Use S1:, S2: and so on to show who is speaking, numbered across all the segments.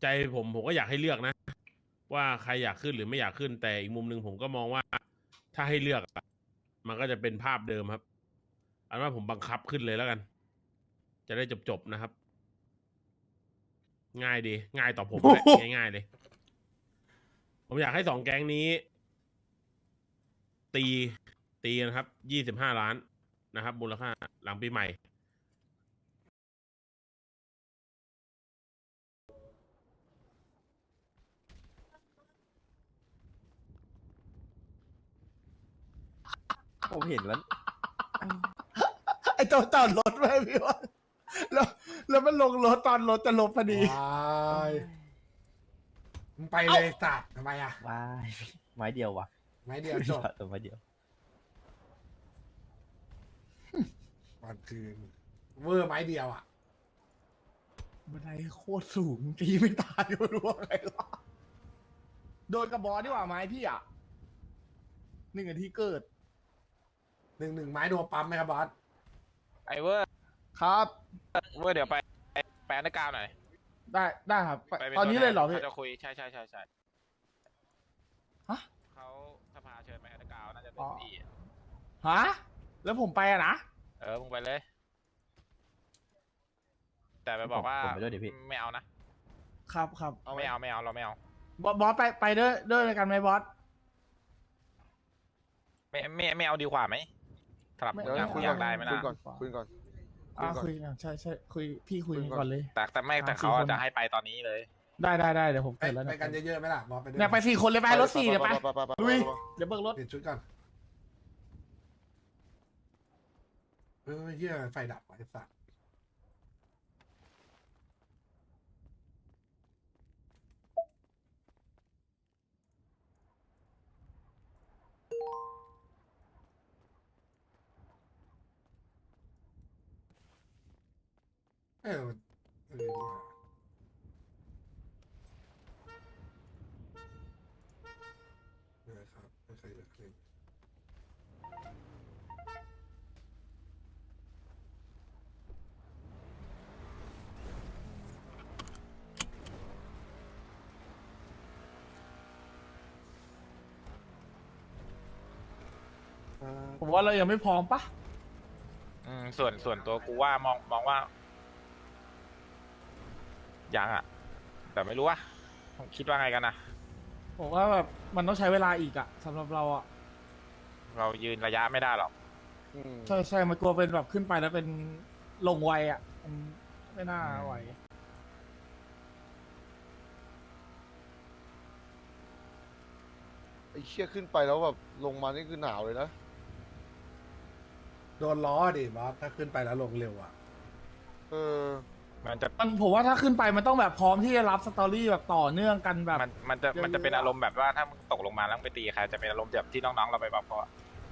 S1: ใจผมก็อยากให้เลือกนะ ว่าใครอยากขึ้นหรือไม่อยากขึ้น แต่อีกมุมหนึ่งผมก็มองว่า ถ้าให้เลือกอะมันก็จะเป็นภาพเดิมครับอันว่าผมบังคับขึ้นเลยแล้วกัน จะได้จบนะครับ ง่ายดี ง่ายต่อผมด้วยง่ายๆเลย ผมอยากให้สองแก๊งนี้ ตีตีนะครับ25 ล้านนะครับ มูลค่าหลังปีใหม่
S2: ผมเห็นแล้ว
S3: ไอ้ตัวจอดรถไว้พี่ว่าแล้วแล้วมันลงรถตอนรถจะลบพอดี
S4: ว้ายมึงไปเลยสัตว์ทำไมอ่ะ
S2: ว้ายไม้เดียววะ
S4: ไม้เดียวจบ
S2: ตัวไม้เดียว
S4: วันคืนเวอร์ไม้เดียวอ่ะ
S3: บันไดโคตรสูงตีไม่ตายไม่รู้ว่าไงหรอโดนกระบอกดีกว่าไหมพี่อ่ะ1 นาทีเกิด
S4: หนึ่งไม้โดนปั๊มไหมครับบอส
S5: ไอเวอร์
S3: ครับ
S5: เดี๋ยวไปอันเดอร์กราวด์หน่อย
S3: ได้ครับ
S5: ไปป็
S3: ตอนนี้เลยเหรอพี่
S5: ขาจะคุยใช่
S3: ฮะ
S5: เขาสภาเชิญไปอันเดอร์กราวด์น่าจะเป็
S3: อ๋
S5: น
S3: อ
S5: ดี
S3: ฮะแล้วผมไปอะนะ
S5: มึงไปเลย แต่ไปบอกว่า
S2: ผมไปด้วยดิพี่
S5: ไม่เอานะครับ ไม่เอาเราไม่เอา
S3: บอสไปด้วยกันไหมบอส
S5: ไม่เอาดีกว่าไหมสำหรับ
S3: ไม่
S5: มึงอะ
S3: ไม่
S5: มึง
S3: เอา
S5: อยากได้ไหม
S3: คุ
S5: ล่ะ
S3: ยก่อน คุยกันใช่คุยพี่คุยก่อนเลย
S5: แต่ไม่แต่
S3: 3-4
S5: เขา
S3: คน
S5: จะให้ไปตอนนี้เลย
S3: ได้เดี๋ยวผม
S4: ไป
S3: เกิดแล้ว
S4: ไปกันเยอะๆไหมล่ะบอสไปด้วย
S3: เนี่ยไป4 คนเลยไปรถ4เดี๋ยวไปลุยเดี๋ยวเบิกรถ
S4: เปลี่ยนชุดก่อนเฮียไฟดับไอ้สัตว์เออครับไม่เคยเลย
S3: ผมว่าเรายังไม่พร้อมปะ
S5: ส่วนตัวกูว่ามองว่ายังอ่ะ แต่ไม่รู้ว่าคิดว่าไงกันนะ
S3: ผมว่าแบบมันต้องใช้เวลาอีกอะสำหรับเราอะ
S5: เรายืนระยะไม่ได้หรอก
S3: ใช่มันกลัวเป็นแบบขึ้นไปแล้วเป็นลงไวอะมันไม่น่าไหว
S6: ไอ้เชี่ยขึ้นไปแล้วแบบลงมานี่คือหนาวเลยนะ
S4: โดนล้อดิบอสถ้าขึ้นไปแล้วลงเร็วอ่ะ
S6: เออ
S3: ผมว่าถ้าขึ้นไปมันต้องแบบพร้อมที่จะรับสตอรี่แบบต่อเนื่องกันแบบ
S5: มันจะเป็นอารมณ์แบบว่าถ้ามึงตกลงมาแล้วมึงไปตีใครจะเป็นอารมณ์แบบที่น้องๆเราไปบอกเขาอะ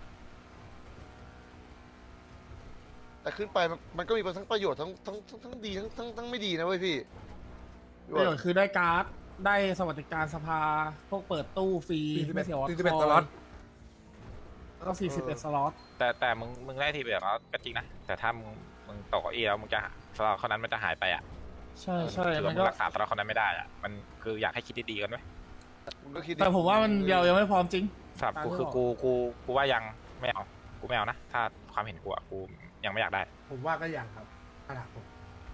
S6: แต่ขึ้นไปมันก็มีทั้งประโยชน์ทั้งดีทั้งไม่ดีนะเว้ยพี่
S3: ประโยชน์คือได้การ์ดได้สวัสดิการสภาพวกเปิดตู้ฟรีไม่เสียวัด
S4: 41 สล็อต
S3: แล้วก็41 สล็อต
S5: แต่มึงได้ทีแบบแล้วก็จริงนะแต่ถ้ามึงตกเก้าอี้แล้วมึงจะสล็อตคนนั้นมันจะหายไปอ่ะ
S3: ใช่
S5: คือ
S3: มั
S5: ว่าน มึ
S3: ก็
S5: งรักษาสล็อตคนนั้นไม่ได้อ่ะมันคืออยากให้คิดดีๆกันด้วย
S6: มึงก็คิดดิ
S3: แต่ผมว่ามันเรายังไม่พร้อมจริง
S5: สำหรับกูคือกูว่ายังไม่เอากูไม่เอานะถ้าความเห็นกูอะกูยังไม่อยากได้
S4: ผมว่าก็ยังครับขนาดผม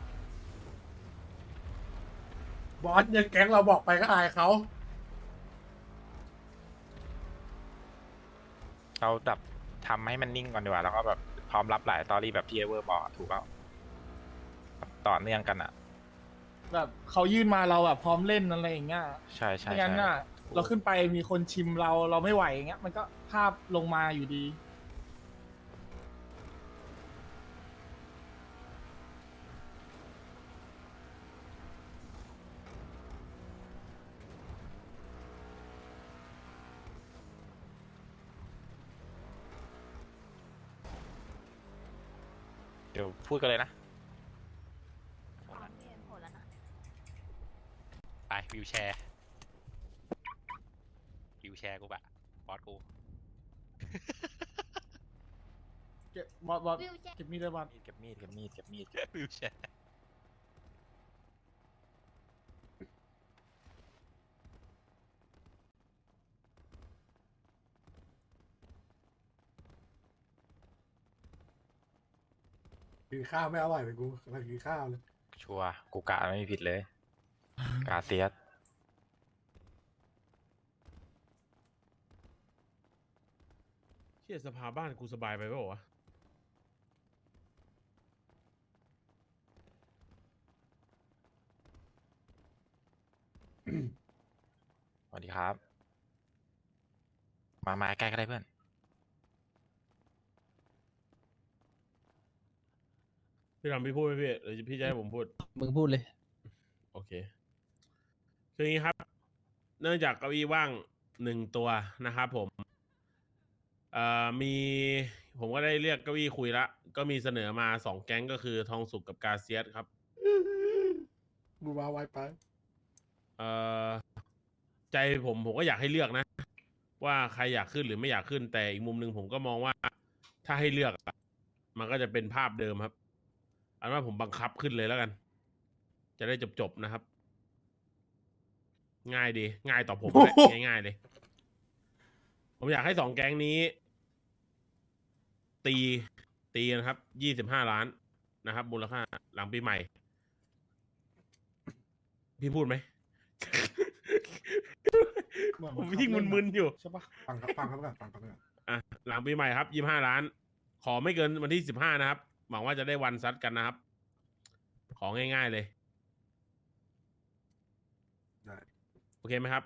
S4: บอสยังแก๊งเราบอกไปก็อายเขา
S5: เราแบบทำให้มันนิ่งก่อนดีกว่าแล้วก็แบบพร้อมรับหลายตอรี่แบบที่เอเวอร์บอกถูกเปล่าต่อเนื่องกันอ่ะ
S3: แบบเขายื่นมาเราแบบพร้อมเล่นอะไรอย่างเงี้ย
S5: ใช่ใช่
S3: ไม่งั้นน่ะ เราขึ้นไปมีคนชิมเราไม่ไหวอย่างเงี้ยมันก็ภาพลงมาอยู่ดี
S5: เดี๋ยวพูดกันเลยนะไปวิวแชร์กูแบบบอสกู
S3: เก็บบอสเก็บมีดเลยบอส
S5: เก็บมีดวิวแชร์
S4: กินข้าวไม่อร่อยเลยกูกำลังกินข้าวเลย
S5: ชัวร์กูกะไม่มีผิดเลย กาเซียส
S1: เชี่ยสภาบ้านกูสบายไปเปล่าวะ
S5: สวัสดีครับ มาใกล้ก็ได้เพื่อน
S1: พี่ทำพี่พูดไหมพี่หรือพี่จะให้ผมพูด
S7: มึงพูดเลย
S1: โอเคคืออย่างนี้ครับ เนื่องจากเก้าอี้ว่าง1 ตัวนะครับผมมีผมก็ได้เรียกเก้าอี้คุยละก็มีเสนอมา2 แก๊งก็คือทองสุกกับกาเซียสครับ
S4: กูมาไวไป
S1: เอ่อใจผมก็อยากให้เลือกนะ ว่าใครอยากขึ้นหรือไม่อยากขึ้น แต่อีกมุมหนึ่งผมก็มองว่าถ้าให้เลือกอะมันก็จะเป็นภาพเดิมครับอันว่าผมบังคับขึ้นเลยแล้วกัน จะได้จบนะครับ ง่ายดี ง่ายต่อผมแหละ ง่ายๆเลย ผมอยากให้2 แก๊งนี้ ตีนะครับ25 ล้านนะครับ มูลค่าหลังปีใหม่ พี่พูดไหม ผมยิ่งมึนๆอยู่
S3: ใช่ปะ
S4: ฟังครับฟังครับก่อนฟังครับก่อน
S1: อ่ะหลังปีใหม่ครับ25 ล้าน ขอไม่เกินวันที่15นะครับ หวังว่าจะได้วันซัดกันนะครับ ของง่ายๆเลย
S4: ได้
S1: โอเคไหมครับ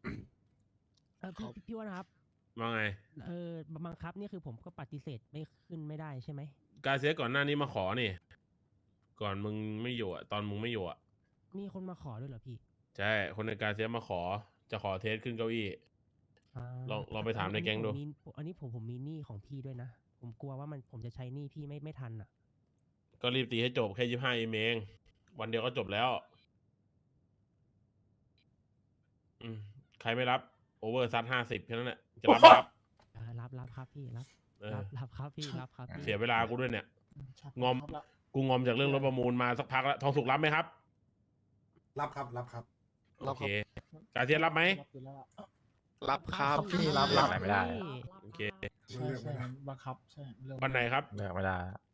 S8: พี่ว่านะครับ
S1: ว่าไง
S8: บังคับนี่คือผมก็ปฏิเสธไม่ขึ้นไม่ได้ใช่ไหม
S1: กาเซียสก่อนหน้านี้มาขอนี่ ก่อนมึงไม่อยู่อ่ะ ตอนมึงไม่อยู่อ่ะ
S8: มีคนมาขอด้วยเหรอพี่
S1: ใช่ คนในกาเซียสมาขอ จะขอเทสขึ้นเก้าอี้
S8: อ่า
S1: ลองไปถามในแก๊งดู
S8: อันนี้ผมมีหนี้ของพี่ด้วยนะ ผมกลัวว่าผมจะใช้หนี้พี่ไม่ทันอ่ะ
S1: ก็รีบตีให้จบแค่25 เอง วันเดียวก็จบแล้ว ใครไม่รับ โอเวอร์ซัด50แค่นั้นแหละ จะรับไหมครับ
S8: รับครับพี่รับ
S1: เออ
S8: รับครับพี่รับครับพี่
S1: เสียเวลากูด้วยเนี่ย
S3: ชัด
S1: งอม
S3: ครับละ
S1: กูงอมจากเรื่องรถประมูลมาสักพักแล้ว ทองสุกรับไหมครับ
S4: รับครับรับครับ
S1: โอเค กาเซียสรับไหม
S3: รับอยู่แล้วล่ะ
S6: รับครับ
S2: พี่รับ
S5: เลือกอะไรไม่ได้
S1: โอเค
S3: ใช่ใช่บังคับใช่เรื่อง
S1: วันไหนครับ
S5: เลือกไม่ได้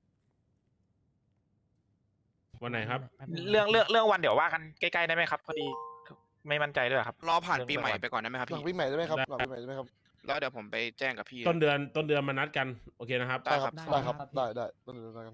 S1: วันไหนครับ
S8: แป๊บนึง
S5: เรื่องวันเดี๋ยวว่ากันใกล้ๆได้ไหมครับ พอดีไม่มั่นใจด้วยครับ
S9: รอผ่านปีใหม่ไปก่อนได้ไหมครับ
S6: หลัง
S9: พี่
S6: ปีใหม่ได้ไหมครับ
S1: ได้
S6: หลังปีใหม่ได้ไหมครับ
S9: แล้วเดี๋ยวผมไปแจ้งกับพี่
S1: ต้นเดือนมานัดกัน โอเคนะครับ
S9: ได้ครับ
S6: ได้ครับ ได้ต้นเดือนกัน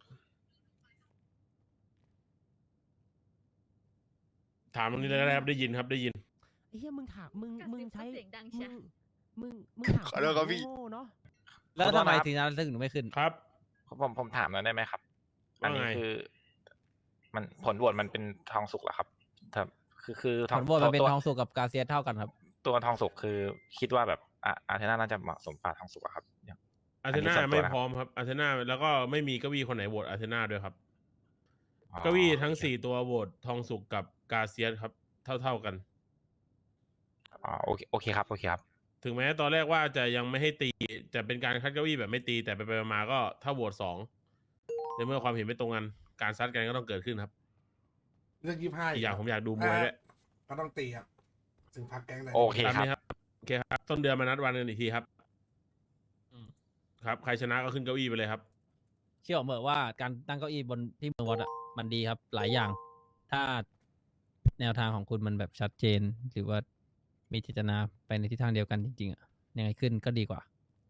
S1: ถามตรงนี้เลยนะครับ ได้ยินครับ ได้ยิน
S8: ไอ้เหี้ยมึงถามมึงใช้
S10: เสียงดังเชีย
S8: มึงถาม
S9: ขอโทษครับพี่
S8: โง่ๆเนาะ
S7: แล้วทำไมถึงนั้นถึงไม่ขึ้น
S1: ครับ
S5: ผมถามหน่อยได้ไหมครับ อันนี้
S1: ว่าไง
S5: คือ มันผลโหวตมันเป็นทองสุกเหรอครับคือ
S7: ผลโหวตมันเป็นทองสุกกับกาเซียสเท่ากันครับ
S5: ตัวทองสุกคือคิดว่าแบบอาร์เทน่าน่าจะเหมาะสมกว่าทองสุกอะครับ
S1: อาร์เท
S5: อันนี้
S1: น่า
S5: ส่วนตัว
S1: ไม่
S5: นะครับ
S1: พร้อมครับ อาร์เทน่าแล้วก็ไม่มีเก้าอี้คนไหนโหวตอาร์เทน่าด้วยครับ
S5: อ๋อ
S1: เก้าอี้ทั้ง4 ตัวโหวตทองสุกกับกาเซียสครับ เท่ากัน
S5: อ๋อโอเคครับ
S1: ถึงแม้ตอนแรกว่าจะยังไม่ให้ตี จะเป็นการคัดเก้าอี้แบบไม่ตี แต่ไปๆมาๆก็ถ้าโหวต2ในเมื่อความเห็นไม่ตรงกัน การซัดกันก็ต้องเกิดขึ้นครับ
S4: เรื่อง25
S1: อีกอย่างผมอยากดูมวยด้วย
S4: ก็ต้องตีครับ ถึงพักแก๊งเลย
S5: โอเค
S1: ตาม
S5: ครับ
S1: นี้ครับ โอเคครับ ต้นเดือนมานัดวันกันอีกทีครับ ครับ ใครชนะก็ขึ้นเก้าอี้ไปเลยครับ
S7: เชื่อผมเถอะว่าการตั้งเก้าอี้บนที่เมืองวัดอ่ะมันดีครับ หลายอย่าง ถ้าแนวทางของคุณมันแบบชัดเจน หรือว่ามีเจตนาไปในทิศทางเดียวกันจริงๆอ่ะยังไงขึ้นก็ดีกว่า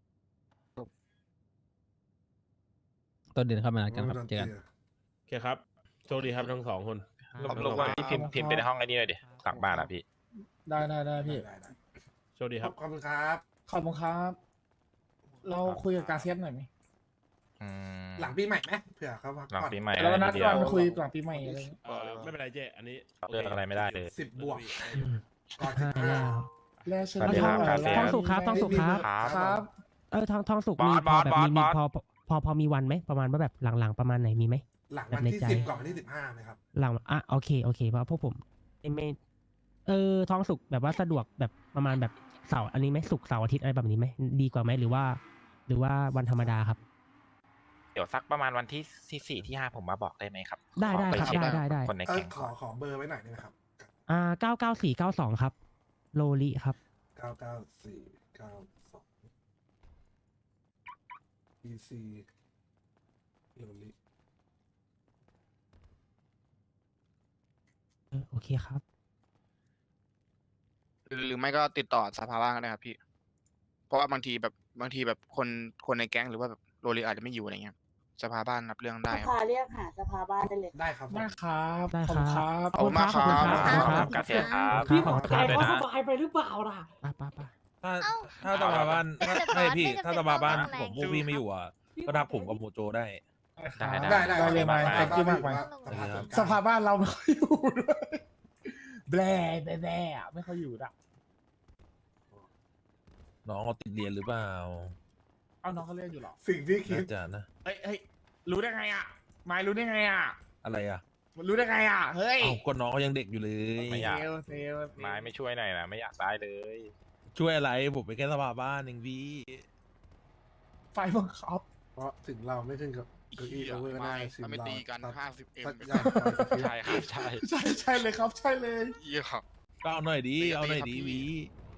S7: ต้นเดือนเข้ามานัดกันครับเจอกัน
S1: โอเคครับ โชคดีครับทั้ง2 คน
S5: รบกวนพี่พิมพ์เป็นห้องไอ้นี่หน่อยดิหลังบ้านอะพี่
S3: ได้พี่
S4: ได้
S1: โชคดีครับ
S4: ขอบคุณครับ
S3: ขอบคุณครับ เราคุยกับกาเซียสหน่อยไหม
S4: หลังปีใหม่ไหมเผื่อเขาพัก
S5: หลัง
S4: ก่อน
S5: ปีใหม่
S3: แล้วนัด
S5: เดีย
S3: วั
S5: วน
S3: คุยหลังปีใหม่อะไรอย่างเงี้ย
S1: ไม่เป็นไรเจ๊อันนี้
S5: เลือกอะไรไม่ได้เลย
S4: 10 บวก ก่อน
S8: ได้แล้ว
S3: แล้วเชิญ
S5: สวัสดีครับ
S3: ทอง
S5: กาเซียส
S8: ทองสุกครับทองสุกครับ
S3: ครับ
S8: ทองสุก
S5: บอส
S8: มีพอแบบ
S5: บอส
S8: มี
S5: บอส
S8: พอมีวันไหมประมาณว่าแบบหลังๆประมาณไหนมีไหม
S4: หลังวันที่
S8: ในใจ
S4: 10 ก่อนวันที่ 15ไหมครับ
S8: หลังโอเคเพราะพวกผมไม่ทองสุกแบบว่าสะดวกแบบประมาณแบบเสาร์อันนี้ไหมศุกร์เสาร์อาทิตย์อะไรแบบนี้ไหมดีกว่าไหมหรือว่าวันธรรมดาครับ
S5: เดี๋ยวสักประมาณวันที่4ที่5ผมมาบอกได้ไหมครับ
S8: ได้
S5: ขอป
S8: ครับ
S5: เช็ค
S8: ได้
S5: คนใน
S4: เออ
S5: แก๊ง
S4: ขอเบอร์ไว้หน่อยได้ไหมครับ
S8: 99492ครับโลลิครับ
S4: 99492 PC โลลิ
S8: โอเคครับ
S9: หรือไม่ก็ติดต่อสภาบ้างก็ได้ครับพี่ เพราะว่าบางทีแบบคนในแก๊งหรือว่าแบบโรลีอาจจะไม่อยู่อะไรเงี้ยสภาบ้านรับเรื่องได้
S10: ส
S9: ครับ
S10: ภาเรียกหาสภาบ้านได้เลย
S4: ได้ครับ
S3: ได้ครับ
S8: ได้
S3: ขอบ
S8: ค
S3: คุณ
S8: รับ
S3: ครับ
S9: ขอบคุณมากครับ
S8: ขอบคุณครับ
S5: กาเซียครับ
S8: พี่ขอบคุณครับ
S5: ด้วยนะ
S10: ไปหรือเปล่าล่ะ
S8: ป้า
S11: ถ้า
S9: เอ้า
S11: ถ้าสภาบ้าน
S9: แต่
S11: ไม่พี่
S9: บอสไม่จำเป็น
S11: ถ้าสภาบ้าน
S9: ต้องอะไร
S11: ผมพวกพี่ไม่อยู่อ่ะก็ทักผมกับโมโจได้
S4: ได้
S3: ได้เลยไหม
S5: ได้
S3: ขอบคุณมากไหม สภาบ้านเราไม่ค่อยอยู่ด้วยแบร่อะไม่ค่อยอยู่อะ
S11: น้องเขาติดเรียนหรือเปล่า
S3: เอาน้องเขาเรียกอยู่เหรอ
S4: สิ่งที่คิด
S11: น่าจะนะ
S3: เฮ้ยรู้ได้ไงอะไม้รู้ได้ไงอะ
S11: อะไรอ่ะ
S3: มันรู้ได้ไงอะเฮ้ย
S11: เอ้าก็น้องเขายังเด็กอยู่เลย
S5: ไม่อยาก
S3: เซล
S5: ไม้ไม่ช่วยหน่อยนะไม่อยากได้เลย
S11: ช่วยอะไรผมเป็นแค่สภาบ้านเองพี่
S3: ไฟบังคับ
S4: เพราะถึงเราไม่ถึงกับเก้าอี้โอเวอร์ได้
S9: ถ้าไม่ตีกัน 50M
S5: ใช่ครับใช่
S3: ใช่เลยครับใช่เลย
S9: เยี่ยครับ
S11: ก็เอาหน่อยดี
S9: ตี
S11: เอาหน่อย
S9: ครับ
S11: ดี
S9: พี่
S11: วี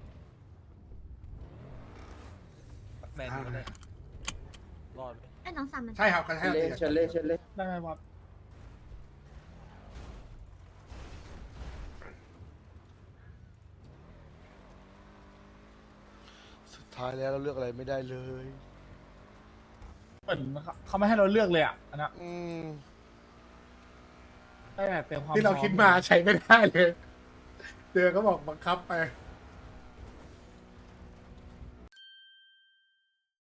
S11: แฟนก็ได้รอดไหม
S10: ไอ้น้องสามมัน
S4: ใช่ครับเขาให้เราตีกัน
S3: ได้ไหมบอส
S6: สุดท้ายแล้วเราเลือกอะไรไม่ได้เลย
S3: เหมือนเขาไม่ให้เราเลือกเลยอะอันนั้น
S6: อืม
S3: ได้แต่เต็มความ
S4: ที่เรา
S3: พอ
S4: คิดมาใช้ไม่ได้เลยเจอก็บอกบังคับไป